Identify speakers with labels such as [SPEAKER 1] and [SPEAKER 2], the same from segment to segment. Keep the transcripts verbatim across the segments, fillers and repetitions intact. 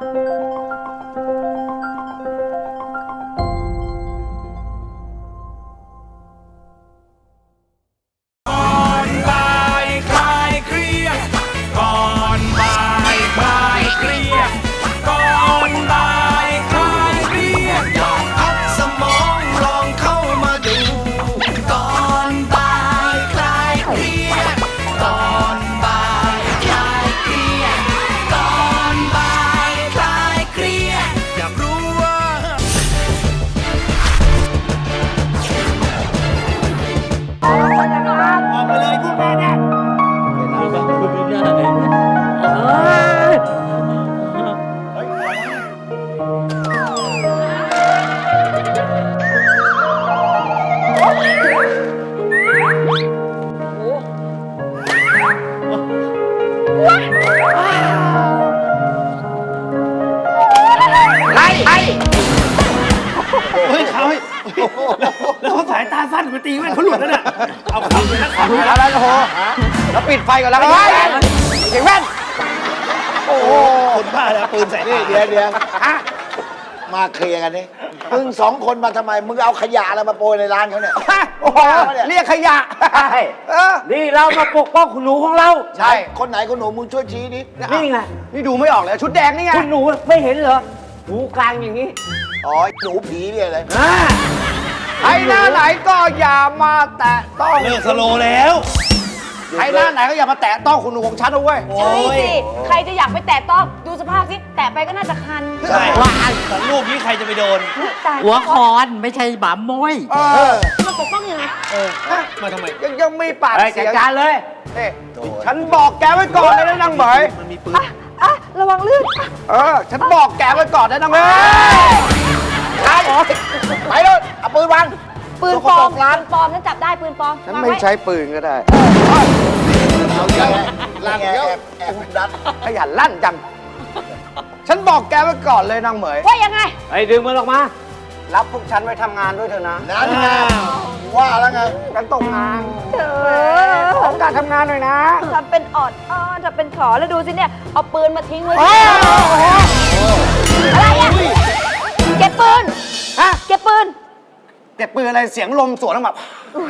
[SPEAKER 1] แล้วเขาสายตาสั้นมาตีแม่เขาหลุดแล้วเนี่ยเอาขับไปนะขับไป
[SPEAKER 2] อะไรโอ้โหแล้วปิดไฟก่อนแล้วก็เสียงแว่นโอ้โห
[SPEAKER 1] คนบ้าแล้วปืนใส่
[SPEAKER 3] นี่เดี๋ยวเดี๋ยวมาเคลียร์กันนี่มึงสองคนมาทำไมมึงเอาขยะอะไรมาโปรยในร้านเขาเนี่ย
[SPEAKER 2] โอ้โหเรียกขยะนี่เรามาปกป้องคุณหนูของเรา
[SPEAKER 3] ใช่คนไหนคนหนูมึงช่วยชี้นิด
[SPEAKER 2] นี่ไงนี่ดูไม่ออกเลยชุดแดงนี่ไงคุณหนูไม่เห็นเหรอหูกลางอย่างนี้
[SPEAKER 3] อ๋อหนูผีเนี่ยเลย
[SPEAKER 2] ใครหน้าไหนก็อย่ามาแตะต้อง
[SPEAKER 1] เลิกสโลแล้ว
[SPEAKER 2] ใครหน้าไหนก็อย่ามาแตะต้องคุณหนูของฉันนะเว้ย
[SPEAKER 4] ใช่สิ ใครจะอยากไปแตะต้องดูสภาพสิแตะไปก็น่าจะคัน
[SPEAKER 1] ใช่ของลูกนี้ใครจะไปโดน
[SPEAKER 4] ตาย
[SPEAKER 5] หัวคอนไม่ใช่หมาโมย
[SPEAKER 2] เออ
[SPEAKER 4] มาปกป้องยังไง
[SPEAKER 1] มาทำไม
[SPEAKER 2] ยังยังมีปาก
[SPEAKER 5] จั
[SPEAKER 2] เสี
[SPEAKER 5] ด
[SPEAKER 2] ยง
[SPEAKER 5] การเลย
[SPEAKER 2] ฉันบอกแกไว้ก่อนเลยนะนางเหมย
[SPEAKER 1] มันมีปืน
[SPEAKER 4] อ่ะอ่ะระวังลื่นอ่ะ
[SPEAKER 2] เออฉันบอกแกไว้ก่อนนะนางเหมย
[SPEAKER 3] ไปไปเลยเอาปืนวาง
[SPEAKER 4] ปืนปลอมปืนปลอมฉันจับได้ปืนปลอม
[SPEAKER 2] ฉัน
[SPEAKER 4] วาง
[SPEAKER 2] ไม่
[SPEAKER 4] ว้
[SPEAKER 2] ใช้ปืนก็ได้
[SPEAKER 3] เอาไงลั่นแอบแอบดัด
[SPEAKER 2] ขยันลั่นจัง ฉันบอกแกไว้ก่อนเลยนางเหมย
[SPEAKER 4] ว่ายังไง
[SPEAKER 5] ไอ้ดึงมันออกมา
[SPEAKER 2] รับพวกฉันไว้ทำงานด้วยเถอะนะ
[SPEAKER 3] นั่นไงว่าแล้วไง
[SPEAKER 2] กันตกงาน
[SPEAKER 4] เออ
[SPEAKER 2] ขอการทำงานหน่อยนะ
[SPEAKER 4] ทำเป็นออดอ้อนทำเป็นขอแล้วดูสิเนี่ยเอาปืนมาทิ้งไว้
[SPEAKER 2] โอ้โห
[SPEAKER 4] อะไรอ่ะเก็บปืน
[SPEAKER 2] ฮะ
[SPEAKER 4] เก็บปืน
[SPEAKER 2] เก็บปืนอะไรเสียงลมสวนออกมา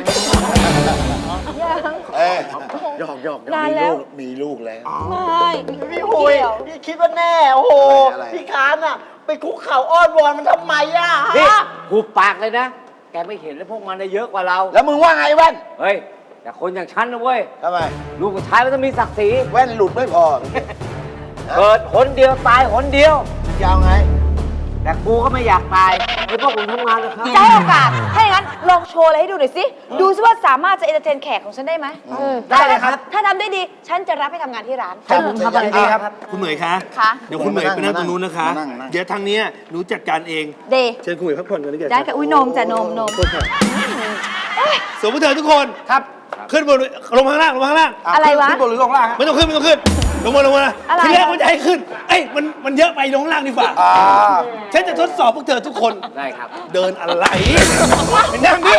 [SPEAKER 4] ยัง
[SPEAKER 3] เอ้ย
[SPEAKER 2] หยอกหยอก
[SPEAKER 4] นานแล้ว
[SPEAKER 3] มีลูกแล้ว
[SPEAKER 4] ไม่
[SPEAKER 6] พี่หุยพี่คิดว่าแน่ โอ้โห
[SPEAKER 3] อะไร
[SPEAKER 6] พี่คานอ่ะ ไปคุกเข่าอ้อนวอนมันทำไมอ่ะ
[SPEAKER 5] นี่
[SPEAKER 6] ฮะ
[SPEAKER 5] หูปากเลยนะ แกไม่เห็นแล้วพวกมันได้เยอะกว่าเรา
[SPEAKER 3] แล้วมึงว่าไงแว่น
[SPEAKER 5] เฮ้ย แต่คนอย่างฉันนะเว้ย
[SPEAKER 3] ทำไม
[SPEAKER 5] ลูกผู้ชายมันต้องมีศักดิ์ศรี
[SPEAKER 3] แว่นหลุดไม่พอ
[SPEAKER 5] เกิดหนเดียวตายหนเดียว
[SPEAKER 3] ยาวไง
[SPEAKER 5] แต่กูก็ไม่อยากตายเพราะพวกผมทำงานนะครับ
[SPEAKER 4] จะให้โอกาสถ้าอย่างนั้นลองโชว์อะไรให้ดูหน่อยสิ ดูซิว่าสามารถจะเอนเตอร์เทนแขกของฉันได้ไหม
[SPEAKER 5] ได้เลยครับ
[SPEAKER 4] ถ้าทำได้ดี ฉันจะรับให้ทำงานที่ร้าน
[SPEAKER 3] ครับ
[SPEAKER 5] ทำอะไรดีครับ
[SPEAKER 1] คุณเหมยคะ
[SPEAKER 4] ค่ะ
[SPEAKER 1] เดี๋ยวคุณเหมยไปนั่งตรงนู้นนะคะ
[SPEAKER 3] มานั่งมานั่ง
[SPEAKER 1] เดี๋ยวทางเนี้ยหนูจัดการเอง
[SPEAKER 4] เดย์
[SPEAKER 1] เชิญคุณเหมยพักผ่อนกันดีกว่า
[SPEAKER 4] ได้ค่ะอุ้ยนมจ้ะนมนม
[SPEAKER 1] สวมมือเถิดทุกคน
[SPEAKER 2] ครับ
[SPEAKER 1] ขึ้นบนลงมาข้างล่างลงมาข้างล่าง
[SPEAKER 4] อะไรวะ
[SPEAKER 2] ขึ้นบนหรือลงล่างฮะ
[SPEAKER 1] ไม่ต้องขึ้นไม่ต้องขึ้น ลงมาลงมา
[SPEAKER 4] อะไร
[SPEAKER 1] ทีแรกมันจะให้ขึ้น เอ้ยมันมันเยอะไปลงข้างล่างดีกว่า
[SPEAKER 2] อ่า
[SPEAKER 1] ฉันจะทดสอบพวกเธอทุกคน
[SPEAKER 5] ได้ครับ
[SPEAKER 1] เดินอะไรไปนั่งดิ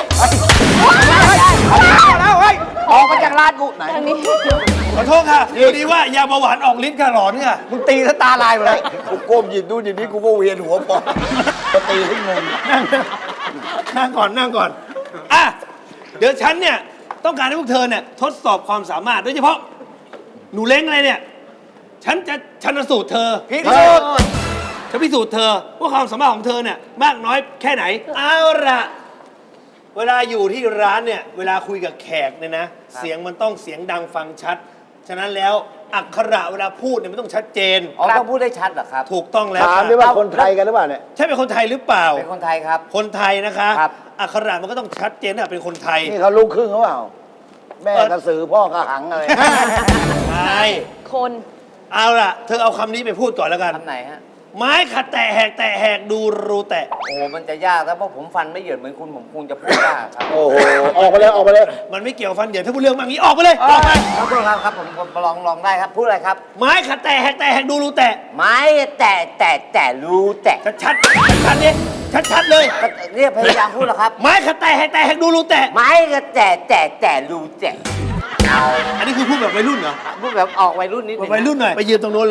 [SPEAKER 2] แล้วเฮ้ย ออกมาจากร้านกูไหน
[SPEAKER 4] ทางนี้
[SPEAKER 1] ขอโทษค่ะพอดีว่ายาเบาหวานออกฤทธิ์ค่ะหลอนค่ะ
[SPEAKER 2] มึงตีซะตาลายหมดเลย
[SPEAKER 3] กูก้มหยิบดูหยิบนี่กูก็เวียนหัวปอกจะตีให้งง
[SPEAKER 1] นั่งนั่งก่อนนั่งก่อนอ่ะเดี๋ยวฉันเนี่ยต้องการให้พวกเธอเนี่ยทดสอบความสามารถโดยเฉพาะหนูเล้งอะไรเนี่ยฉันจะชันสูตรเธอ
[SPEAKER 2] พิสูจน์
[SPEAKER 1] จะพิสูจน์เธอว่าความสามารถของเธอเนี่ยมากน้อยแค่ไหนเอาละเวลาอยู่ที่ร้านเนี่ยเวลาคุยกับแขกเนี่ยนะเสียงมันต้องเสียงดังฟังชัด ฉะนั้นแล้วอักขระเวลาพูดเนี่ยมันต้องชัดเจน
[SPEAKER 5] อ๋อต้องพูดได้ชัดเหรอครับ
[SPEAKER 1] ถูกต้องแล้ว
[SPEAKER 3] ถาม
[SPEAKER 1] ค่ะ
[SPEAKER 3] ด้วยว่าคนไทยกันหรือเปล่าเนี่ย
[SPEAKER 1] ใช่เป็นคนไทยหรือเปล่า
[SPEAKER 5] เป็นคนไทยครับ
[SPEAKER 1] คนไทยนะคะ
[SPEAKER 5] ครับ
[SPEAKER 1] อักขระมันก็ต้องชัดเจนนะเป็นคนไทย
[SPEAKER 3] นี่เขาลูกครึ่งหรือเปล่า แม่กระสือพ่อกระหังอะไร
[SPEAKER 1] ใช่
[SPEAKER 4] คน
[SPEAKER 1] เอาล่ะ เธอเอาคำนี้ไปพูดก่อนแล้วกัน
[SPEAKER 5] คำไหนฮะ
[SPEAKER 1] ไม้ขัดแตะแหกแตะแหกดูรูแตะ
[SPEAKER 5] โอ้โหมันจะยากแล้วเพราะผมฟันไม่เหยินเหมือนคุณผมคงจะพูดยากครับ
[SPEAKER 3] โอ้โห ออกไปเลย ออกไปเลย
[SPEAKER 1] มันไม่เกี่ยวฟันเดี๋ยวถ้าพูดเรื่องบางนี้ออกไปเลยออกไป
[SPEAKER 5] ครับครับครับผมผมลองลองได้ครับ พูดอะไรครับ
[SPEAKER 1] ไม้ขัดแตะแหกแตะแหกดูรูแตะ
[SPEAKER 5] ไม้แต่แต่แต่รู้แต่
[SPEAKER 1] ชัดชัดชัดๆดิชัดชัดๆเลย
[SPEAKER 5] เนี่ยพยายามพูดแล้วครับ
[SPEAKER 1] ไม้ขัดแตะแหกแตะแหกดูรูแตะ
[SPEAKER 5] ไม้ก็แต่แต่แต่รู้แต่
[SPEAKER 1] อันนี้คือพูดแบบวัยรุ่นเหรอ
[SPEAKER 5] พูดแบบออกวัยรุ่นนิด
[SPEAKER 1] แบ
[SPEAKER 5] นึ
[SPEAKER 1] บ
[SPEAKER 5] ง
[SPEAKER 1] วัยรุ่นหน่อยไปยืนตรงนู้นเลย
[SPEAKER 5] ไ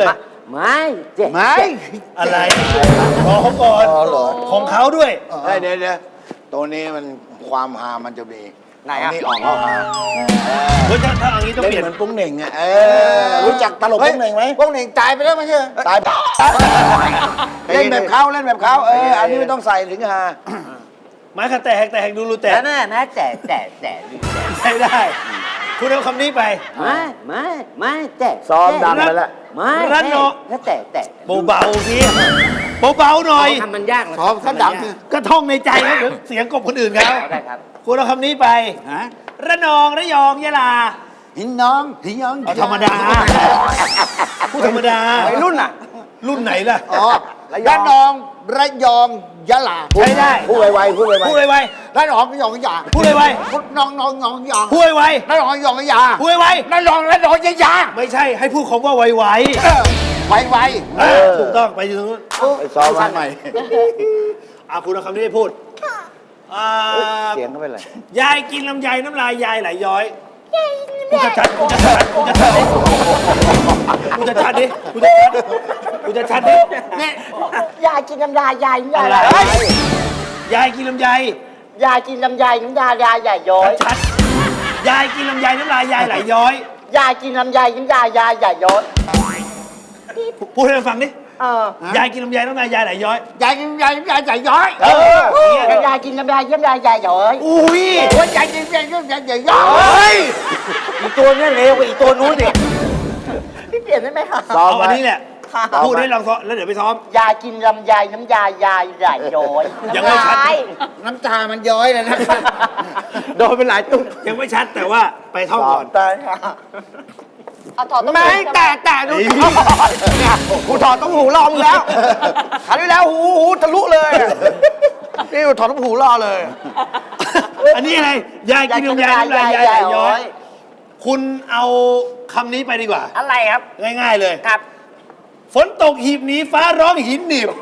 [SPEAKER 5] ไม่เจ็บ
[SPEAKER 3] ไม่
[SPEAKER 1] อะไรรอเขาก่อน
[SPEAKER 3] อ๋อเหรอ
[SPEAKER 1] ของเขาด้วย
[SPEAKER 3] เฮ้ยเดี๋ยวเดี๋ยวตัวนี้มันความฮามันจะมี
[SPEAKER 2] ไหนอะ
[SPEAKER 3] เานี่ออกเข้าฮา
[SPEAKER 1] เฮ้ยถ้าถ้าอย่างนี้ต้อง
[SPEAKER 3] เล่น
[SPEAKER 1] เปลี่ยน
[SPEAKER 3] เหมือนปุ้งเหน่งอ่ะเออรู้จักตลกปุ้งเหน่งไหม
[SPEAKER 2] พวกหนึ่งตายไปแล้วไม่ใช่เหรอ
[SPEAKER 3] ตายเล่นแบบเขาเล่นแบบเขาเอออันนี้ไม่ต้องใส่ถึงฮา
[SPEAKER 1] ไม้ขัดแตกแตกดูรูแตก
[SPEAKER 5] แล้วแม่แม่แต่แต่แต่ดูแต่
[SPEAKER 1] ใช้ได้ คุณเอาคำนี้ไป
[SPEAKER 5] ไม่ไม่ไม่แต่
[SPEAKER 3] ซ้อมดังไปแล้ว
[SPEAKER 5] ไม่
[SPEAKER 1] รัดเนอะ
[SPEAKER 5] แล้วแต่แต่
[SPEAKER 1] เบาๆพี่เบาๆหน่อย
[SPEAKER 5] ทำมันยากเหรอ
[SPEAKER 3] ซ้อมซะดัง
[SPEAKER 1] ก็ท่องในใจครับเดี๋ยวเสียงกบคนอื่นเขา
[SPEAKER 5] ได้ครับ
[SPEAKER 1] คุณเอาคำนี้ไป
[SPEAKER 3] ฮะ
[SPEAKER 1] ระนองระยองยะลา
[SPEAKER 3] หินน้องหินน้อง
[SPEAKER 1] เอาธรรมดา พูดธรรมดา
[SPEAKER 2] ไอ้รุ่นอ่ะ
[SPEAKER 1] รุ่นไหนล่ะ
[SPEAKER 3] อ๋อระนองระยองยะลา
[SPEAKER 1] ใช้ได้
[SPEAKER 3] พูดไวๆพูดไวๆ
[SPEAKER 1] พูดไว
[SPEAKER 3] ระนองระยองยะ
[SPEAKER 1] พูดไว
[SPEAKER 3] พูดน้องน้องน้องยา
[SPEAKER 1] ๆพูดไว
[SPEAKER 3] ระนองระยองยะ
[SPEAKER 1] ๆพูดไว
[SPEAKER 3] ระนองระนองยะยา
[SPEAKER 1] ๆไม่ใช่ให้พูดคำว่าไว
[SPEAKER 3] ไวไว
[SPEAKER 1] ๆอ่าถูกต้องไปอยู่ตรงนู้น
[SPEAKER 3] ไปซ้อมใหม่
[SPEAKER 1] อ่ะคุณเอาคำนี้ไปพูดอ่า
[SPEAKER 2] เสียงเขาเป็นไร
[SPEAKER 1] ยายกินลำไยน้ำลายยายไหลย้อยกูจะชัดกูจะชัดกูจะชัดดิกูจะชัดดิกูจะชัดกูจะชัดดิเนี่ย
[SPEAKER 6] ยายกินน้ำยายายน้ำยา
[SPEAKER 1] อะไร
[SPEAKER 6] ยาย
[SPEAKER 1] ยายกินลำไย
[SPEAKER 6] ยายกินน้ำยายน้ำยายายใหญ่ย้อย
[SPEAKER 1] ชัดยายกินลำไยน้ำลายยายไหลย้อย
[SPEAKER 6] ยายกินน้ำยายน้ำยายายใหญ่ย้อย
[SPEAKER 1] พูดให้มันฟังดิ
[SPEAKER 6] เออย
[SPEAKER 1] ายกินลำไยน้ำลายยายไหลย้อย
[SPEAKER 3] ยายยายยายใหญ่ย้อย
[SPEAKER 1] เออเนี่ย
[SPEAKER 6] ยายกินน้ำยายน้ำยายายย้อย
[SPEAKER 1] อุ้ย
[SPEAKER 3] โอ้ยยายยายยายยายใหญ่ย้อ
[SPEAKER 1] เฮ้
[SPEAKER 3] ย
[SPEAKER 1] ย
[SPEAKER 2] อีกตัวเนี้ยเร็วกว่าอีกตัวนู้นอีก
[SPEAKER 6] พี่เปลี่ยนได้ไหมคะ
[SPEAKER 3] ซ้อม
[SPEAKER 1] เอา
[SPEAKER 3] ไว้
[SPEAKER 1] อันนี้แหละ
[SPEAKER 6] ค่ะ
[SPEAKER 1] พูดให้ลองซ้อมแล้วเดี๋ยวไปซ้อม
[SPEAKER 6] ยายกินลำไยน้ำยายายใหญ่ย้อย
[SPEAKER 1] ยังไม่ชัด
[SPEAKER 3] น้ำตามันย้อยเลยนะ
[SPEAKER 2] โดนเป็นหลายตุ๊ก
[SPEAKER 1] ยังไม่ชัดแต่ว่าไปท่องก่อน
[SPEAKER 3] ตายค่ะ
[SPEAKER 4] เอาถอดต้อง
[SPEAKER 2] ไม่แต่แต่ดูเนี่ยกูถอดต้องหูรอมึงแล้วคราวที่แล้วหูหูทะลุเลยอะนี่กูถอดต้องหูรอเลย
[SPEAKER 1] อันนี้อะไรยายกินลำไยน้ำลายยายไหลย้อย คุณเอาคำนี้ไปดีกว่า
[SPEAKER 6] อะไรครับ
[SPEAKER 1] ง่ายๆเลย
[SPEAKER 6] ครับ
[SPEAKER 1] ฝนตกหีบหนีฟ้าร้องหินหนีบ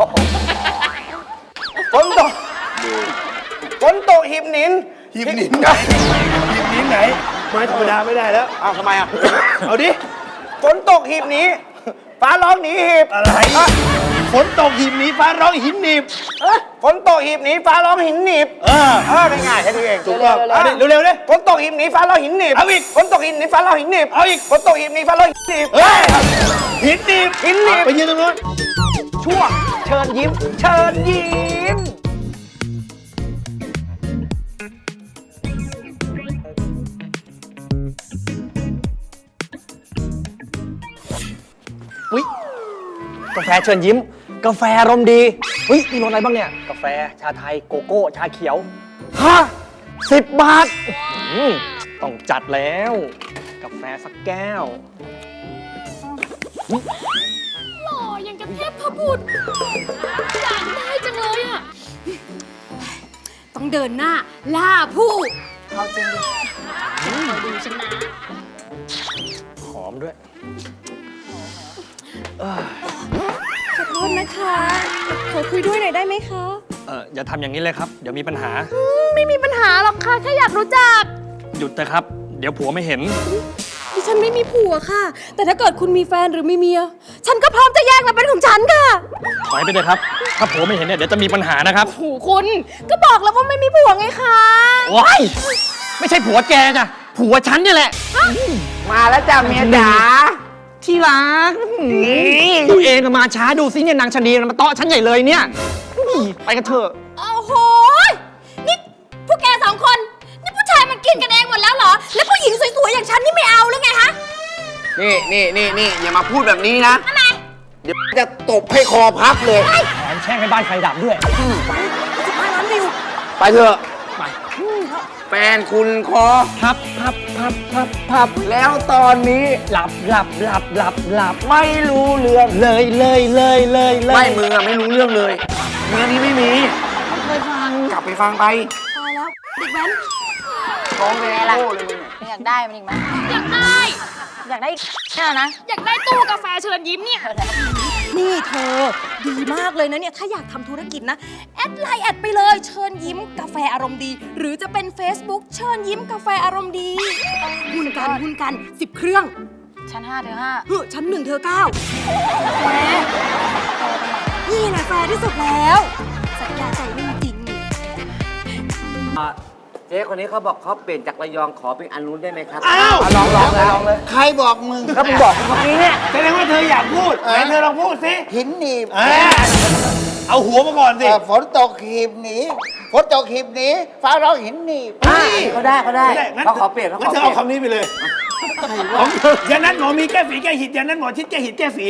[SPEAKER 2] ฝนตกฝนตกหิบหนิน
[SPEAKER 1] หีบหนีไหนหีบหนีไหนไม้ธรรมดาไม่ได้แล้ว
[SPEAKER 2] อ้าวทำไมอ่ะ
[SPEAKER 1] เอาดิ
[SPEAKER 2] ฝนตกหีบหนีฟ้าร้องหนีหีบ
[SPEAKER 1] อะไรฝนตกหีบหนีฟ้าร้องหินหนีบ
[SPEAKER 2] ฝนตกหีบหนีฟ้าร้องหินหนีบ
[SPEAKER 1] เออ
[SPEAKER 2] เออง่ายๆแค่นี้เอง
[SPEAKER 1] ถูกต้องเอาดิเร็วๆเลย
[SPEAKER 2] ฝนตกหิบหนีฟ้าร้องหินหนีบ
[SPEAKER 1] เอาอีก
[SPEAKER 2] ฝนตกหิบหนีฟ้าร้องหินหนีบ
[SPEAKER 1] เอาอีก
[SPEAKER 2] ฝนตกหิบหนีฟ้าร้องหินหนีบ
[SPEAKER 1] เฮ้ยหินหนีบ
[SPEAKER 2] หินหนีบ
[SPEAKER 1] ไปยืนตรงนู้น
[SPEAKER 2] ช่วงเชิญยิ้ม เชิญยิ้ม อุ๊ยกาแฟเชิญยิ้ม กาแฟอารมณ์ดีเฮ้ยมีรสอะไรบ้างเนี่ย กาแฟชาไทยโกโก้ ชาเขียวฮะสิบบาทอื้อหือต้องจัดแล้ว กาแฟสักแก้ว
[SPEAKER 7] หล่อยังกับเทพพบุตรอยากได้จังเลยอ่ะ ต้องเดินหน้า ล่าผู้
[SPEAKER 4] เอาจริงดิ
[SPEAKER 7] คอยดูฉันนะ
[SPEAKER 2] หอมด้วย
[SPEAKER 7] ขอโทษนะคะ ขอคุยด้วยหน่อยได้ไหมคะ
[SPEAKER 2] เอออย่าทำอย่างนี้เลยครับ เดี๋ยวมีปัญหา
[SPEAKER 7] ไม่มีปัญหาหรอกค่ะ แค่อยากรู้จัก
[SPEAKER 2] หยุดนะครับ เดี๋ยวผัวไม่เห็น
[SPEAKER 7] ดิฉันไม่มีผัวค่ะ แต่ถ้าเกิดคุณมีแฟนหรือมีเมีย ฉันก็พร้อมจะแยกมาเป็นของฉันค่ะ
[SPEAKER 2] ถอยไปเลยครับ ถ้าผัวไม่เห็นเนี่ยเดี๋ยวจะมีปัญหานะครับ
[SPEAKER 7] โหูคุณ ก็บอกแล้วว่าไม่มีผัวไงคะ
[SPEAKER 2] ว้ายไม่ใช่ผัวแกจ้ะ ผัวฉันเนี่ยแหละ
[SPEAKER 6] มาแล้วจ้าเมียจ๋า
[SPEAKER 2] ที่รักตัวเองอะมาช้าดูสิเนี่ยนางชะนีมาเตาะฉันใหญ่เลยเนี่ยอุ๊ยไปกันเถอะ
[SPEAKER 7] โอ้โห นี่พวกแกสองคน นี่ผู้ชายมันกินกันเองหมดแล้วเหรอ แล้วผู้หญิงสวยๆอย่างฉันนี่ไม่เอาหรือไงฮะ
[SPEAKER 3] นี่นี่นี่นี่อย่ามาพูดแบบนี้นะ
[SPEAKER 7] ทำไม
[SPEAKER 3] เดี๋ยวจะตบให้คอพับเลย
[SPEAKER 2] แถมแช่งให้บ้านไฟดับด้วย
[SPEAKER 7] สิบห้าล้านวิว
[SPEAKER 3] ไปเถอะ
[SPEAKER 2] ไป
[SPEAKER 3] แฟนคุณคอ
[SPEAKER 2] พับพับพับพับพับ
[SPEAKER 3] แล้วตอนนี้
[SPEAKER 2] หลับหลับหลับหลับหลับ
[SPEAKER 3] ไม่รู้เรื่อง
[SPEAKER 2] เลยเลยเลยเลยเลย
[SPEAKER 3] ไม่มึงอะไม่รู้เรื่องเลยเรื่องนี้ไม่มี
[SPEAKER 7] เคยฟัง
[SPEAKER 3] กลับไปฟังไป
[SPEAKER 7] ตายแล้วเด็กแว้น
[SPEAKER 3] ร้องเพลง
[SPEAKER 4] ไงล่ะ
[SPEAKER 3] โง่เลยมึงอะ
[SPEAKER 4] อยากได้มันอีกไหม
[SPEAKER 7] อยากได้
[SPEAKER 4] อยากได้อีกเนี่ยนะ
[SPEAKER 7] อยากได้ตู้กาแฟเชิญยิ้มเนี่ย นี่เธอ ดีมากเลยนะเนี่ย ถ้าอยากทำธุรกิจนะ แอดไลน์แอดไปเลย เชิญยิ้มกาแฟอารมณ์ดี หรือจะเป็น Facebook เชิญยิ้มกาแฟอารมณ์ดี หุ้นกันหุ้นกันสิบเครื่อง
[SPEAKER 4] ชั้นห้าเธอห้า
[SPEAKER 7] เฮ้ยชั้นหนึ่งเธอเก้าแฟร์นี่แหละแฟร์ที่สุดแล้ว สัญญาใจไม่จริง
[SPEAKER 5] เจ๊คนนี้เขาบอกเขาเปลี่ยนจากระยองขอเป็นอันนู้นได้ไหมครับ
[SPEAKER 1] อ้าว
[SPEAKER 3] ลองลองเลยลองเลย ใครบอกมึง
[SPEAKER 5] ก็มึงบอกเมื่อกี้เนี่ย
[SPEAKER 1] แสดงว่าเธออยากพูดไหนเธอลองพูดสิ
[SPEAKER 3] หินหนีบ
[SPEAKER 1] อ่าเอาหัวมาก่อนสิ
[SPEAKER 3] เอ่อฝนตกหีบหนีฝนตกหีบหนีฟ้าร้องหินหนีบ
[SPEAKER 5] เขาได้เขาได้
[SPEAKER 1] ไม่ได้งั้น
[SPEAKER 5] เขาขอเปลี่ยนเขาข
[SPEAKER 1] งั้
[SPEAKER 5] อน
[SPEAKER 1] เธอ
[SPEAKER 5] เปลี่
[SPEAKER 1] เอา
[SPEAKER 5] ยน
[SPEAKER 1] คำนี้ไปเลยของยานั้นหมอมีแก้ฝีแก้หิดยานั้นหมอชิดแก้หิดแก้ฝี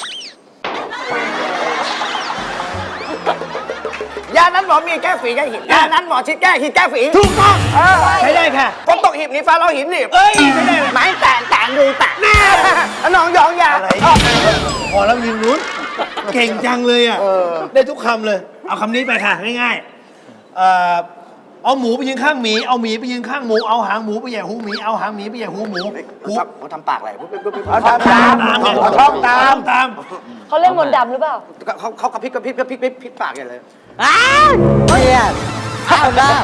[SPEAKER 6] ยานั้นหมอมีแก้ฝีแก้หินยานั้นหมอชิดแก้หินแก้ฝี
[SPEAKER 1] ถูกต้องใช้ได้ค่ะ
[SPEAKER 6] ฝนตกหีบหนีฟ้าร้องหินหนีบ
[SPEAKER 1] เอ้ยใช้ได้เลย
[SPEAKER 6] ไม้แตะแตะดูแตะแน่น้องยองยา
[SPEAKER 1] อะไรพอแล้วยิงนู้นเก่งจังเลยอ่ะได้ทุกคำเลย เอาคำนี้ไปค่ะง่ายๆเอ่อเอาหมูไปยืนข้างหมีเอาหมีไปยืนข้างหมูเอาหางหมูไปแย่หูหมีเอาหางหมีไปแย่หูหมูหู
[SPEAKER 6] เขาทำปากอะไร
[SPEAKER 3] เอาทำตาม
[SPEAKER 1] ตาม
[SPEAKER 3] เอาท่องตาม
[SPEAKER 1] ตาม
[SPEAKER 4] เขาเล่นมนต์ดำหรือเปล่า
[SPEAKER 6] เขาเขากระพริบกระพริบกระพริบกระพริบปากอย่างเลย
[SPEAKER 5] อ้าวเนี่ยข้าวหน้า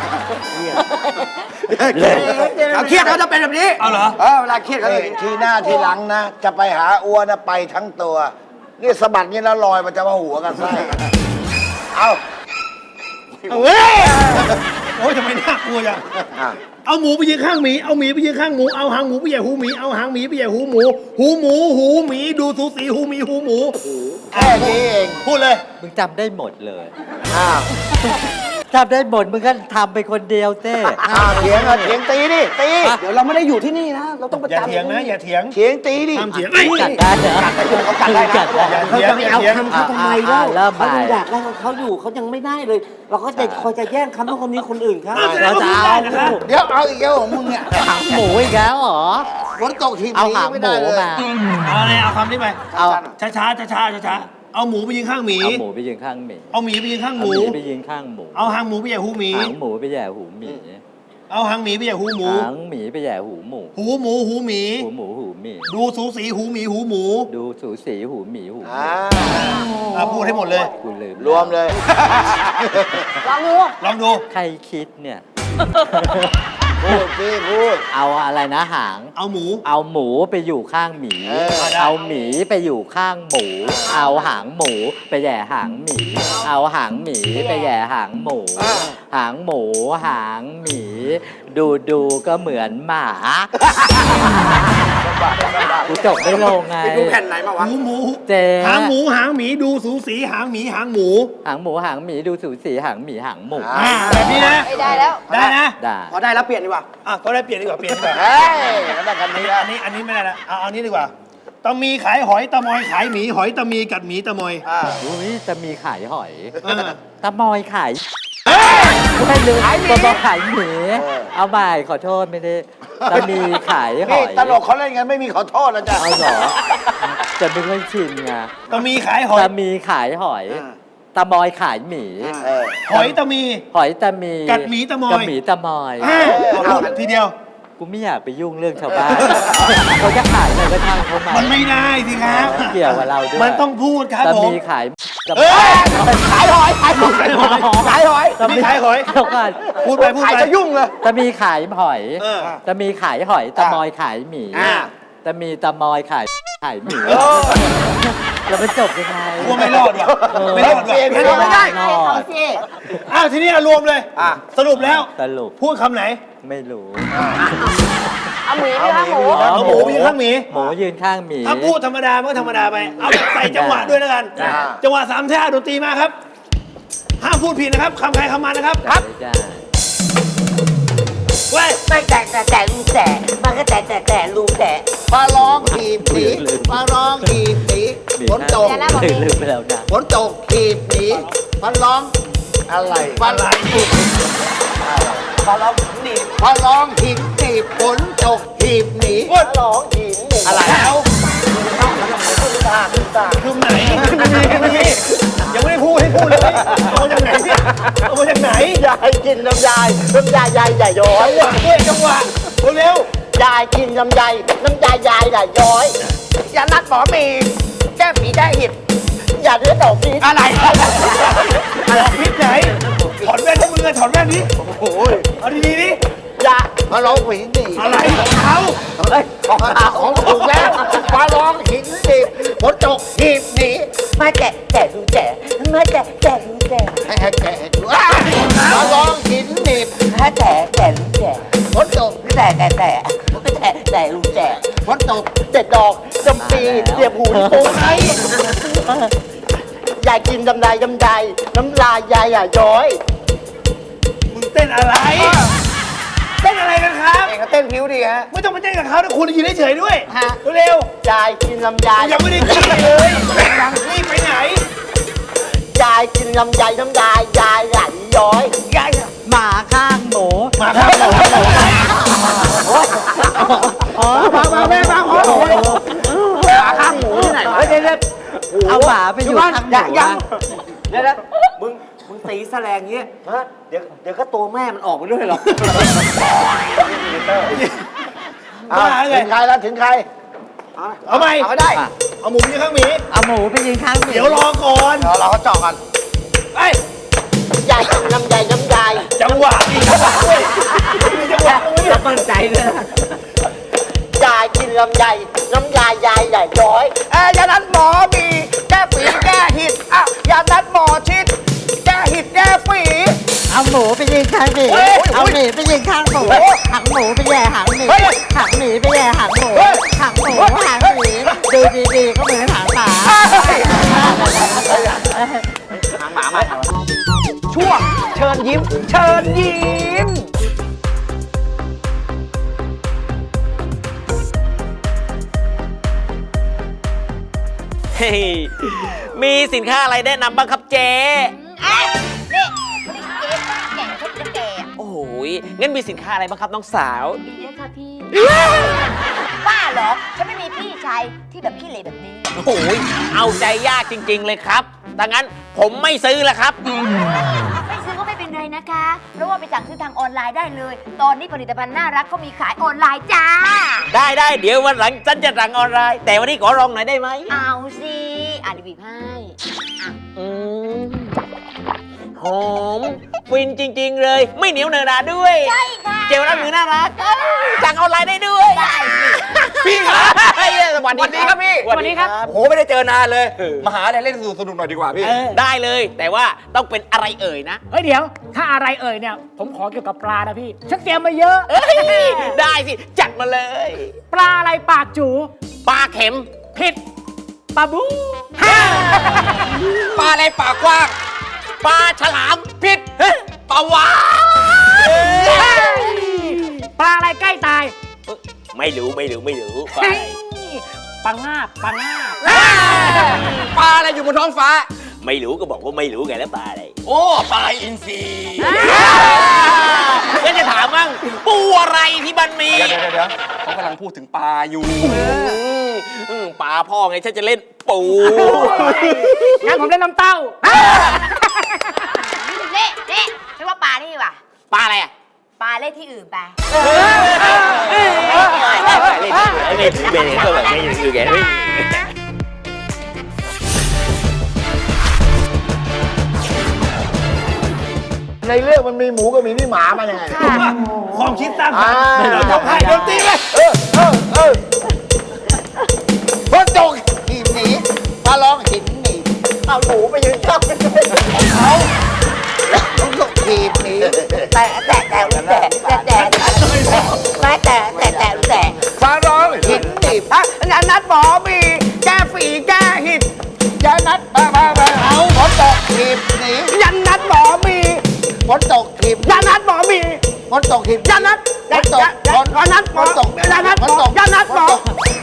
[SPEAKER 6] เขาเครียดเขาจะเป็นแบบนี้
[SPEAKER 1] เอาเหรอ
[SPEAKER 6] เออเวลาเครียดเขาจะ
[SPEAKER 3] เอ้ยทีหน้าทีหลังนะ จะไปหาอ้วนนะไปทั้งตัว นี่สะบัดนี่แล้วลอยมันจะมาหัวกันไส้เอา
[SPEAKER 1] เอาเว้ยโอ้ยทำไมน่ากลัวจัง
[SPEAKER 3] อ่ะ
[SPEAKER 1] เอาหมูไปยืนข้างหมีเอาหมีไปยืนข้างหมูเอาหางหมูไปแย่หูหมีเอาหางหมีไปแย่หูหมู หูหมูหูหมีดูสูสีหูหมีหูหมู
[SPEAKER 3] แค่นี้เอง
[SPEAKER 1] พูดเลย
[SPEAKER 8] มึงจำได้หมดเลย
[SPEAKER 3] อ้าว
[SPEAKER 8] จำได้หมดมึงก็ทำไปคนเดียวเต้
[SPEAKER 3] อ้าวเถียงอ่ะเถียงตีดิตี
[SPEAKER 6] เดี๋ยวเราไม่ได้อยู่ที่นี่นะ เราต้องประ
[SPEAKER 1] อย่า
[SPEAKER 6] จำ
[SPEAKER 1] เถียงนะอย่าเถียง
[SPEAKER 3] เถียงตีดิ
[SPEAKER 1] ห้ามเถียงเอ้ย
[SPEAKER 8] กัดได้เหรอ
[SPEAKER 6] เขากัดได้นะ
[SPEAKER 8] กัดได้
[SPEAKER 6] เขาจะไม่เอาคำเขาทำไมเล่า
[SPEAKER 8] อ่าเริ่มใหม่
[SPEAKER 5] เขายังอยากได้ของเขาอยู่เขายังไม่ได้เลย เราก็จะคอยจะแย่งคำของคนนี้คนอื่นครับ
[SPEAKER 1] เราจะเอานะคะ
[SPEAKER 3] เดี๋ยวเอาอีกแล้วของมึงเนี่ย
[SPEAKER 8] หางหมูอีกแล้วเหรอ
[SPEAKER 3] ฝนตกที
[SPEAKER 8] เอา
[SPEAKER 3] นี้
[SPEAKER 8] หาง
[SPEAKER 3] ไม่
[SPEAKER 8] หมู
[SPEAKER 3] ได้เลย
[SPEAKER 8] มา
[SPEAKER 1] เอาเลยเอาคำนี้ไป
[SPEAKER 8] เอา
[SPEAKER 1] ช้าช้าช้าช้าช้าช้าๆเอาหมูไปยืนข้างหมี
[SPEAKER 8] เอาหมูไปยืนข้างหมี
[SPEAKER 1] เอาหมีไปยืนข้างห
[SPEAKER 8] เอา
[SPEAKER 1] มู
[SPEAKER 8] หมีไปยืนข้างหมู
[SPEAKER 1] เอาหางหมูไปแย่หูหมี
[SPEAKER 8] หางหมูไปแย่หูหมี
[SPEAKER 1] เอาหางหมีไปแย่หูหมู
[SPEAKER 8] หางหมีไปแย่หูหมู
[SPEAKER 1] หูหมูหูหมี
[SPEAKER 8] หูหมูหูหมี
[SPEAKER 1] ดูสูสีหูหมีหูหมู
[SPEAKER 8] ดูสูสีหูหมีหูหมี
[SPEAKER 3] อ่า
[SPEAKER 1] อ่ะพูดให้หมดเลย
[SPEAKER 8] กูลืม
[SPEAKER 3] รวมเลย
[SPEAKER 4] ลองดู
[SPEAKER 1] ลองดู
[SPEAKER 8] ใครคิดเนี่ย
[SPEAKER 3] พูดสิพูด
[SPEAKER 8] เอาอะไรนะหาง
[SPEAKER 1] เอาหมู
[SPEAKER 8] เอาหมูไปอยู่ข้างหมี
[SPEAKER 3] เออ
[SPEAKER 8] เอาหมีไปอยู่ข้างหมู เอาหางหมูไปแย่หางหมี เอาหางหมีไปแย่หางหมู หางหมูหางหมี ดูดูก็เหมือนหมากูจบไม่ลงไง
[SPEAKER 6] ไปดูแผ่นไหนมาวะ
[SPEAKER 1] หูหมู
[SPEAKER 8] เจ๊
[SPEAKER 1] หางหมูหางหมีดูสูสีหางหมีหางหมู
[SPEAKER 8] หางหมูหางหมีดูสูสีหางหมีหางหมู
[SPEAKER 1] อ่าแบบนี้นะ
[SPEAKER 4] ไม่ได้แล้ว
[SPEAKER 1] ได้นะ
[SPEAKER 8] ได้
[SPEAKER 6] พอได้แล้วเปลี่ยนดีกว่า
[SPEAKER 1] อ่ะก็ได้เปลี่ยนดีกว่าเปลี่ยนดีกว่า
[SPEAKER 3] เฮ้ยก็ได้คำนี้แล้ว
[SPEAKER 1] อันนี้อันนี้ไม่ได้ละเอาเอานี้ดีกว่าตะมีขายหอยตะมอยขายหมีหอยตะมีกัดหมีตะมอย
[SPEAKER 8] อุ้ยจะมีขายหอย
[SPEAKER 1] เออ
[SPEAKER 8] ตะมอยขายไม่ลืมตะมอยขายหมีเอาใหม่ขอโทษไม่ได้ตะมีขายห
[SPEAKER 3] นี่
[SPEAKER 8] อย
[SPEAKER 3] ตลกเขาเล่นกันไม่มีขอโทษนะจ๊ะ
[SPEAKER 8] เอาเหรอ จะไม่ค่อยชินไง
[SPEAKER 1] ตะมีขายหอย
[SPEAKER 8] ตะมีขายหอย
[SPEAKER 6] อ่า
[SPEAKER 8] ตะมอยขายหมี
[SPEAKER 3] เออ
[SPEAKER 1] หอยตะมี
[SPEAKER 8] หอยตะมี
[SPEAKER 1] กัดหมีตะมอย
[SPEAKER 8] กัดหมีตะมอย
[SPEAKER 1] อ่ะเอาพูดทีเดียว
[SPEAKER 8] กูไม่อยากไปยุ่งเรื่องชาวบ้านเขาจะขายอะไรก็ช่างเขามา
[SPEAKER 1] มันไม่ได้สิครับ
[SPEAKER 8] เกี่ยวกับเราด้วย
[SPEAKER 1] มันต้องพูดครับ
[SPEAKER 8] ตะ
[SPEAKER 1] ผม
[SPEAKER 8] มีขายตะ
[SPEAKER 1] เอ้ย
[SPEAKER 6] ขายหอยขายหอยขายหอยขายหอย
[SPEAKER 1] ตะมีขายหอย
[SPEAKER 8] เดี๋ยวก่อน
[SPEAKER 1] พูดไปพูด
[SPEAKER 6] ขาย
[SPEAKER 1] ไป
[SPEAKER 6] จะยุ่งเลย
[SPEAKER 8] ตะมีขายหอย
[SPEAKER 1] เออ
[SPEAKER 8] ตะมีขายหอยตะมอยขายหมี
[SPEAKER 6] อ่า
[SPEAKER 8] ตะมีตะมอยขายขายหมีแล้วมันจบยังไง
[SPEAKER 1] กลัวไม่รอดว่ะ
[SPEAKER 8] เออ
[SPEAKER 1] ไม่รอดว่ะ
[SPEAKER 3] เปลี่ยน
[SPEAKER 6] ไม่ได้ไม่ได้
[SPEAKER 8] รอด
[SPEAKER 1] อ้าวทีนี้เอารวมเลย
[SPEAKER 6] อ่ะ
[SPEAKER 1] สรุปแล้ว
[SPEAKER 8] สรุป
[SPEAKER 1] พูดคำไหน
[SPEAKER 8] ไม่รู้
[SPEAKER 4] เอาหมีไปข้างหมู
[SPEAKER 1] เอาหมูไปยืนข้างหมี
[SPEAKER 8] หมูยืนข้างหมี
[SPEAKER 1] ถ้าพูดธรรมดามันก็ธรรมดาไป เอาแบบใส่จังหวะด้วยแล้วกัน
[SPEAKER 8] อ่า
[SPEAKER 1] จังหวะสามท่าดนตรีมาครับ ห้ามพูดผิดนะครับคำใครคำมันนะครับ
[SPEAKER 8] ครับได้
[SPEAKER 1] เว้ย
[SPEAKER 5] ไม่แต่แต่แต่ลูกแต่มันก็แต่แต่แต่ลูกแต่
[SPEAKER 3] ปลาร้องหีบหนีปลาร้องหีบหนี
[SPEAKER 8] มี
[SPEAKER 3] ฝนตก
[SPEAKER 4] อย่าละบอก
[SPEAKER 8] ลื
[SPEAKER 4] มี
[SPEAKER 8] มลืมไปแล้วนะ
[SPEAKER 3] ฝนตกหีบหนีปลาร้องอะไรปลา
[SPEAKER 1] อะไร
[SPEAKER 6] พอเราหนี
[SPEAKER 3] ปลาร้องหีบหนีฝนตกหีบหนี
[SPEAKER 1] พูด
[SPEAKER 6] ร้องหินหนี
[SPEAKER 1] อะไรแล้ว
[SPEAKER 6] ขึ้นตาขึ้นตา
[SPEAKER 1] คือไหนไม่มีไม่มียังไม่ได้พูดให้พูดเลยเอามาจากไหนเนี่ยเอามาจากไหน
[SPEAKER 6] ยายกินน้ำยายน้ำยายยายใหญ่ย้อย
[SPEAKER 1] จังหวะด้วยจังหวะเร็วย
[SPEAKER 6] ายกินน้ำยายน้ำยายยายใหญ่ย้อยยานัดหมอมีแก้ฝีแก้หิดอย่าเลือดออกฟี
[SPEAKER 1] ๆอะไรอะไรพิษไหนถอนแว่นให้มือถอนแว่นนี้โอ้โหเอาดีๆนี่
[SPEAKER 6] ยา
[SPEAKER 3] มาร้องหินหนีบ
[SPEAKER 1] อะไรของเขา
[SPEAKER 3] เฮ้ยของเขาของถูกแล้วมาร้องหินหนีบฝนตกหีบหนี
[SPEAKER 6] มาแจกแจกดูแจกมาแจกแจกดูแจก
[SPEAKER 3] ให้ให้แกะดูอ้าวมาร้องหินหนีบ
[SPEAKER 6] มาแจกแจกดูแจก
[SPEAKER 3] ฝนตก
[SPEAKER 6] แจกแจกแจกแจกแจกดูแจก
[SPEAKER 3] ฝนตก
[SPEAKER 6] เด็ดดอกจำปีเสียบหูโป่งไอ้ยายกินดำลายดำลายน้ำลายยายอ่ะย้อย
[SPEAKER 1] มึงเต้นอะไร เต้นอะไรกันครับ
[SPEAKER 3] เองก็เต้นผิวดีฮะ
[SPEAKER 1] ไม่ต้องไปเต้นกับเขานะคุณยืนเฉยๆด้วย
[SPEAKER 6] ฮะ
[SPEAKER 1] เร็วย
[SPEAKER 6] ายกินลำไย
[SPEAKER 1] ๆยังไม่ได้กินเลยยังรีบไปไหน
[SPEAKER 6] ยายกินลำไยน้ำลายยายไหลย้อยยาย
[SPEAKER 8] หมาข้างหมู
[SPEAKER 1] มาครับหมอหมอ
[SPEAKER 3] มามาแม่มาขอโทษขาข้างหมูที่ไหนวะ
[SPEAKER 6] เฮ้ยเดี๋ยวเดี๋ยว
[SPEAKER 8] เอาหมาไปอยู่ข้างหมู
[SPEAKER 6] ยังยัง
[SPEAKER 8] อะ
[SPEAKER 6] เดี๋ยวนะมึงมึงตีแสลงเงี้ยฮะเดี๋ยวเดี๋ยวก็ตัวแม่มันออกมาด้วยหรอก
[SPEAKER 3] อ้าวถึงใครแล้วถึงใคร
[SPEAKER 1] เอาไหม
[SPEAKER 3] เอาก็ได้
[SPEAKER 1] เอาหมูยืนข้างหมี
[SPEAKER 8] เอาหมูไปยืนข้างหมี
[SPEAKER 1] เดี๋ยวรอก่อน
[SPEAKER 3] เราเราก็เจาะกัน
[SPEAKER 1] ไอ้ย
[SPEAKER 6] ยายกินลำไยน้ำลาย
[SPEAKER 1] จังหวะดีจังหวะด้วยมีจังหวะด้วย
[SPEAKER 8] จะมั่นใจเลยนะ
[SPEAKER 6] ยายกินลำไยน้ำลายยายไหลย้อยเอ้ยยานัดหมอมีแก้ฝีแก้หิดอ้าวยานัดหมอชิดแก้หิดแก้ฝี
[SPEAKER 8] เอาหมูไปยืนข้างหมีเอาหมีไปยืนข้างหมูหางหมูไปแย่หางหมีหางหมีไปแย่หางหมูหางหมูหางหมีดูดีๆก็เหมือนหางหมา
[SPEAKER 2] ช่วงเชิญยิ้ม เชิญยิ้ม
[SPEAKER 9] เฮ้ยมีสินค้าอะไรแนะนำบ้างครับเจ๊
[SPEAKER 4] เอ๊ะนี่ไม่ได้เจ๊ป้าแก่ฉันจะแก่
[SPEAKER 9] โอ้โหยงั้นมีสินค้าอะไรบ้างครับน้องสาว
[SPEAKER 4] ดีเลยค่ะพี่ป้าเหรอ ฉันไม่มีพี่ชายที่แบบขี้เหร่แบบนี้
[SPEAKER 9] โอ้โหยเอาใจยากจริง ๆ เลยครับดังนั้นผมไม่ซื้อแล้วครับ
[SPEAKER 4] ไม่ซื้อก็ไม่เป็นไรนะคะ เพราะว่าไปสั่งซื้อทางออนไลน์ได้เลย ตอนนี้ผลิตภัณฑ์น่ารักก็มีขายออนไลน์จ้า
[SPEAKER 9] ได้ได้เดี๋ยววันหลังฉันจะสั่งออนไลน์ แต่วันนี้ขอลองหน่อยได้ไหม
[SPEAKER 4] เอาสิอ่านบีบให้
[SPEAKER 9] อืมหอมฟินจริง ๆ เลย ไม่เหนียวเนอะหนาด้วย
[SPEAKER 4] ใช่ค่ะ
[SPEAKER 9] เจลล้างมือน่ารักสั่งออนไลน์ได้ด้วย
[SPEAKER 4] ได้สิ
[SPEAKER 9] พี่ครับสวัสดีครับพี่สวัสดีครับ
[SPEAKER 2] โอ้โห ไม่ได้เจอนานเลย มาหาอะไรเล่นสนุกๆหน่อยดีกว่าพี่
[SPEAKER 9] ได้เลยแต่ว่าต้องเป็นอะไรเอ่ยนะ
[SPEAKER 10] เฮ้ยเดี๋ยว ถ้าอะไรเอ่ยเนี่ย ผมขอเกี่ยวกับปลานะพี่ ฉันเตรียมมาเยอะ
[SPEAKER 9] เอ้ยได้สิ จัดมาเลย
[SPEAKER 10] ปลาอะไรปากจู
[SPEAKER 9] ปลาเข็ม
[SPEAKER 10] ผิดปลาบู
[SPEAKER 9] ปลาอะไรปากกว้างปลาฉลามผิดปลาวาฬ
[SPEAKER 10] ปลาอะไรใกล้ตาย
[SPEAKER 9] ไม่รู้ไม่รู้ไม่รู้ปลา
[SPEAKER 10] เฮ้
[SPEAKER 9] อะไร
[SPEAKER 10] ยปลางาบปลางาบ
[SPEAKER 2] ปลาอะไรอยู่บนท้องฟ้า
[SPEAKER 9] ไม่รู้ก็บอกว่าไม่รู้ไงแล้วปลาอะไร
[SPEAKER 2] โอ้ ปลาอินทรี
[SPEAKER 9] ก็จะถามมั่งปูอะไรที่มันมี
[SPEAKER 2] เดี๋ยวเดี๋ยวเดี๋ยวเขากำลังพูดถึงปลาอยู่
[SPEAKER 9] อืมปลาพ่อไงฉันจะเล่นปู
[SPEAKER 10] งั้นผมเล่นน้ำเต้า
[SPEAKER 4] นี่นี่ฉันว่าปลานี่ดีกว่ะ
[SPEAKER 9] ปลาอะไรอ่ะ
[SPEAKER 4] ปลาเล่นที่อื่นไป
[SPEAKER 9] เล่นเล่นก็แบบไม่รู้แกไม่
[SPEAKER 3] ในเรื่องมันมีหมูกับมีพี่หมามายังไง
[SPEAKER 1] ความคิดสร้างสรรค์
[SPEAKER 3] อ่า
[SPEAKER 1] เรายกให้ดนตรีไป
[SPEAKER 3] เออเออเออฝนตกหีบหนีมาร้องหินหนีเอาหมูไปยืนข้างเขาฝนตกหีบหนี
[SPEAKER 6] แต่แต่แต่แต่แต่แต่แต่แต่แต่แต่แต่
[SPEAKER 3] มาร้องหินหนี
[SPEAKER 6] ฮะยานัดหมอมีแก้ฝีแก้หิด
[SPEAKER 3] ยานัดมามามาเอาฝนตกหีบหนี
[SPEAKER 6] ยานัดหมอมี
[SPEAKER 3] ฝนตกหีบ
[SPEAKER 6] ยานัดหมอมี
[SPEAKER 3] ฝนตกหีบ
[SPEAKER 6] ยานัด
[SPEAKER 3] ฝนตกฝน
[SPEAKER 6] ยานัดหม
[SPEAKER 3] ฝ
[SPEAKER 6] อน
[SPEAKER 3] ตก
[SPEAKER 6] ยานัดหม
[SPEAKER 3] ฝน
[SPEAKER 6] อ
[SPEAKER 3] ตก
[SPEAKER 6] ยานัดหมอ
[SPEAKER 3] ฝนตก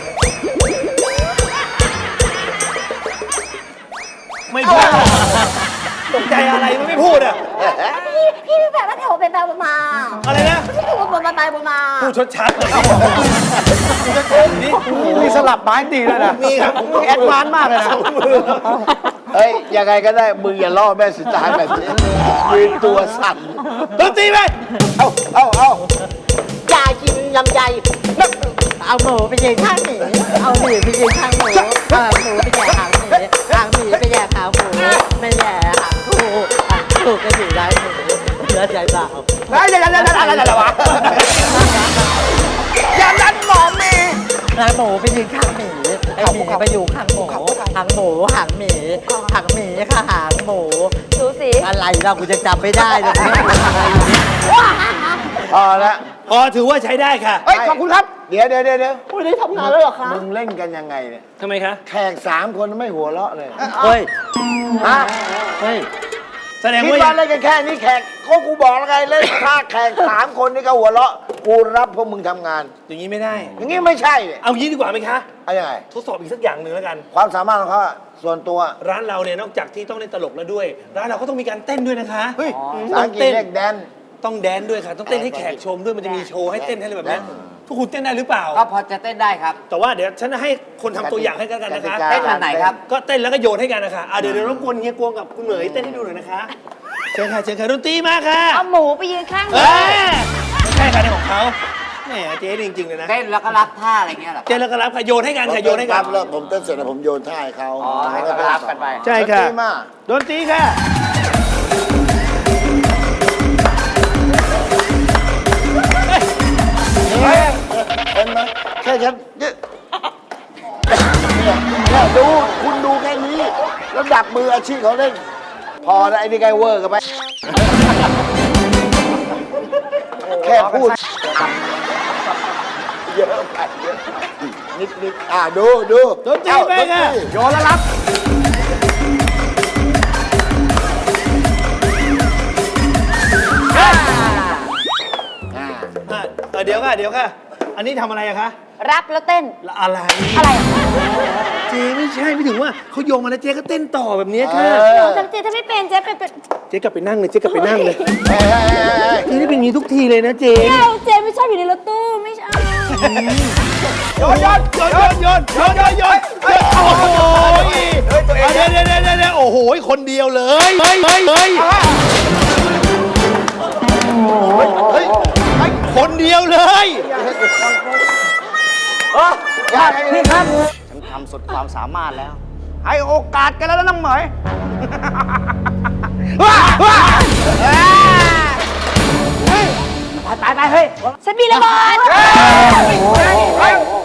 [SPEAKER 1] ไม่พูดตกใจอะไรมันไม่พูดอ่ะ
[SPEAKER 4] พี่พี่แบบว่าแถวเป็นแบบมา
[SPEAKER 1] อะไรนะ
[SPEAKER 4] พี่ถูกบนไปบนมา
[SPEAKER 1] พูดชดชัดเลยพูดชดชัดนี่
[SPEAKER 3] มีสลับไม้ตีเลยนะ
[SPEAKER 1] มีครับ
[SPEAKER 3] แอดวานซ์มากเลยนะเฮ้ย ยังไงก็ได้ มึงอย่าล่อแม่สุดท้ายแบบนี้ยืนตัวสั่น
[SPEAKER 1] ดนตรีไป
[SPEAKER 3] เอ้าเอ้าเอ้า
[SPEAKER 6] ยากินลำไย
[SPEAKER 8] เอาหมูไปยืนข้างหมีเอาหมีไปยืนข้างหมูเอาหมูไปแย่หางหมีหางหมีไปแย่หางหมูไม่แย่หางกูหางกูก็อยู่ได้หมูเนื้อใจเปล่า
[SPEAKER 6] อะไรอะไรอะไรอะไรอะไรวะ
[SPEAKER 8] ไปยืนข้างหมีไอหมีไปอยู่ข้างหมูหางหมูหางหมีหางหมีค่ะหางหมู
[SPEAKER 4] ดูสิ
[SPEAKER 8] อะไรเรากูจะจำไม่ได้เลย
[SPEAKER 3] พอละ
[SPEAKER 1] พอถือว่าใช้ได้ค่ะ
[SPEAKER 6] เฮ้ย ขอบคุณครับ
[SPEAKER 3] เดี๋ยวเดี๋ยวเดี๋ยวเดี๋ยว
[SPEAKER 6] ไม่ได้ทำงานแล้วเหรอคะ
[SPEAKER 3] มึงเล่นกันยังไงเนี่ย
[SPEAKER 1] ทำไมคะ
[SPEAKER 3] แขกสามคนไม่หัวเราะเลย
[SPEAKER 8] เฮ้ย
[SPEAKER 3] ฮะ
[SPEAKER 8] เฮ้ย
[SPEAKER 1] แสดง
[SPEAKER 3] คิด
[SPEAKER 1] ว่า
[SPEAKER 3] ว่าเล่นกันแค่นี้แขกก็กูบอกแล้วไงเล่นถ้าแขกสามคนนี่ก็หัวเราะกูรับพวกมึงทำงาน
[SPEAKER 1] อย่างนี้ไม่ได้
[SPEAKER 3] อย่างนี้ไม่ใช่เนี่ย
[SPEAKER 1] เอางี้ดีกว่าไหมคะ
[SPEAKER 3] เอายังไง
[SPEAKER 1] ทดสอบอีกสักอย่างหนึ่งแล้วกัน
[SPEAKER 3] ความสามารถของเขาอะส่วนตัว
[SPEAKER 1] ร้านเราเนี่ยนอกจากที่ต้องเล่นตลกแล้วด้วย ร้านเราก็ต้องมีการเต้นด้วยนะคะ
[SPEAKER 3] เฮ้ย
[SPEAKER 1] ต้
[SPEAKER 3] สา
[SPEAKER 1] อง
[SPEAKER 3] อังกฤษ
[SPEAKER 1] เต้น
[SPEAKER 3] เรียกแดน
[SPEAKER 1] ต้องแดนด้วยค่ะ ต้องเต้นให้แขกชมด้วย มันจะมีโชว์ให้เต้นให้อะไรแบบเนี้ยทุกคุณเต้นได้หรือเปล่า
[SPEAKER 8] ก็พอจะเต้นได้ครับ
[SPEAKER 1] แต่ว่าเดี๋ยวฉันจะให้คนทำตัวอย่างให้กันนะคะ
[SPEAKER 3] กติกา
[SPEAKER 8] เต้นแบบไหนครับ
[SPEAKER 1] ก็เต้นแล้วก็โยนให้กันนะคะอ่ะเดี๋ยวเดี๋ยวรบกวนเฮียกวงกับคุณเหมยเต้นให้ดูหน่อยนะคะ เชิญค่ะเชิญค่ะดนตรีมาค่ะ
[SPEAKER 4] เอาหมูไปยืนข้างห
[SPEAKER 1] เอ
[SPEAKER 4] มู
[SPEAKER 1] อไม่ใช่ค่ะในของเขาแหมเจ๊จริงๆเลยนะ
[SPEAKER 8] เต้นแล้วก็รับท่าอะไรเงี้ยเหรอ
[SPEAKER 1] เจ๊แล้วก็รับค่ะโยนให้กันค่ะโยนให้กัน
[SPEAKER 3] แล้วผมเต้นเสร็จแล้วผมโยนท่าให้เขา
[SPEAKER 8] อ๋อให้เขารับกันไป
[SPEAKER 1] ใช่ค่ะ
[SPEAKER 3] ดนตรีมา
[SPEAKER 1] ดนตรีค่ะ
[SPEAKER 3] เฮ้ยเห็นไหมแค่ฉันเนี่ยเนี่ยดูคุณดูแค่นี้แล้วดับมืออาชีพเขาเล่น พอแล้วไอ้นี่ไกเวอร์กันไป แค่พูด เยอะไปเยอะนิดนิดอ่าดูดู
[SPEAKER 1] ดนตรีไปค่ะ
[SPEAKER 3] โยนแล้วรับ
[SPEAKER 1] อ่ะเออเดี๋ยวค่ะเดี๋ยวค่ะ อันนี้ทำอะไรอะคะ
[SPEAKER 4] รับแล้วเต้น
[SPEAKER 1] อะไร
[SPEAKER 4] อะไรอ่ะ
[SPEAKER 1] เจ๊ไม่ใช่ไม่ถึงว่าเขาโยงมาแล้วเจ๊ก็เต้นต่อแบบนี้ค่ะ
[SPEAKER 4] หนูจำเจถ้าไม่เป็นเจ๊เป็นเป็น
[SPEAKER 1] เจ๊กลับไปนั่งเลยเจ๊กลับไปนั่งเลย
[SPEAKER 3] เฮ้ยเฮ้ยเฮ้ยเฮ้ย
[SPEAKER 1] เจ๊ได้เป็นอย่างนี้ทุกทีเลยนะเจ๊
[SPEAKER 4] ไม่เอาเจ๊ไม่ชอบอยู่ในรถตู้ไม่ชอบ
[SPEAKER 1] โยนโยนโยนโยนโยนโยนโยนโยนโอ้โหเดี๋ยวเดี๋ยวเดี๋ยวเดี๋ยวโอ้โหคนเดียวเลยเฮ้ยเฮ้ยเฮ้ย
[SPEAKER 3] เฮ้ย
[SPEAKER 1] คนเดียวเลย
[SPEAKER 6] นี่ครับ ฉันทำสุดความสามารถแล้ว ให้โอกาสกันแล้วนะน้องเหมยว้าว้าไปไปไปเฮ้ย
[SPEAKER 4] ฉันมีระเบิด
[SPEAKER 6] เฮ้ย